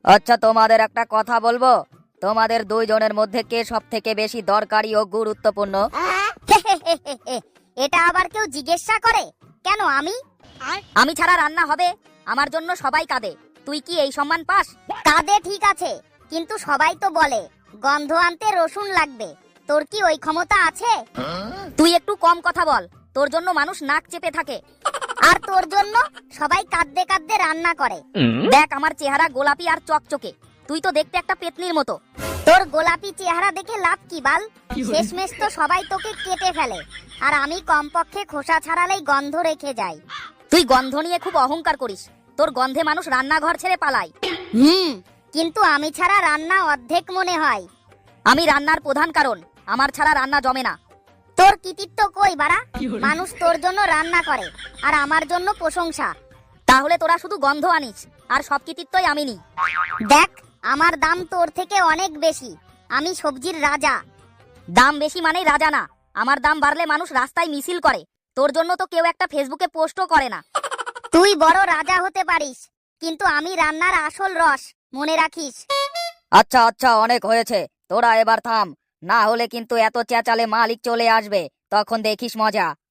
আচ্ছা, তোমাদের একটা কথা বলবো। তোমাদের দুইজনের মধ্যে কে সব থেকে বেশি দরকারি ও গুরুত্বপূর্ণ? এটা আবার কেউ জিজ্ঞাসা করে? কেন আমি? আমি ছাড়া রান্না হবে, আমার জন্য সবাই কাঁদে। তুই কি এই সম্মান পাস? কাঁদে ঠিক আছে, কিন্তু সবাই তো বলে গন্ধ আনতে রসুন লাগবে। তোর কি ওই ক্ষমতা আছে? তুই একটু কম কথা বল, তোর জন্য মানুষ নাক চেপে থাকে। আর তোর জন্য সবাই কাঁদতে কাঁদতে রান্না করে। দেখ আমার চেহারা গোলাপি আর চকচকে, তুই তো দেখতে একটা পেতনির মতো। তোর গোলাপি চেহারা দেখে লাভ কি বাল? শেষমেশ তো সবাই তোকে কেটে ফেলে, আর আমি কমপক্ষে খোসা ছাড়ালেই গন্ধ রেখে যাই। তুই গন্ধ নিয়ে খুব অহংকার করিস, তোর গন্ধে মানুষ রান্নাঘর ছেড়ে পালায়। কিন্তু আমি ছাড়া রান্না অর্ধেক মনে হয়। আমি রান্নার প্রধান কারণ, আমার ছাড়া রান্না জমে না। তোর কৃতিত্ব কই বাড়া? মানুষ তোর জন্য রান্না করে, আর আমার জন্য প্রশংসা। তাহলে তোরা শুধু গন্ধ আনিস, আর সব কৃতিত্বই আমি নিই। দেখ, আমার দাম তোর থেকে অনেক বেশি। আমি সবজির রাজা। দাম বেশি মানেই রাজা না। আমার দাম বাড়লে মানুষ রাস্তায় মিছিল করে, তোর জন্য তো কেউ একটা ফেসবুকে পোস্টও করে না। তুই বড় রাজা হতে পারিস, কিন্তু আমি রান্নার আসল রস, মনে রাখিস। আচ্ছা আচ্ছা, অনেক হয়েছে, তোরা এবার থাম, না হলে কিন্তু এত চেঁচালে মালিক চলে আসবে, তখন দেখিস মজা।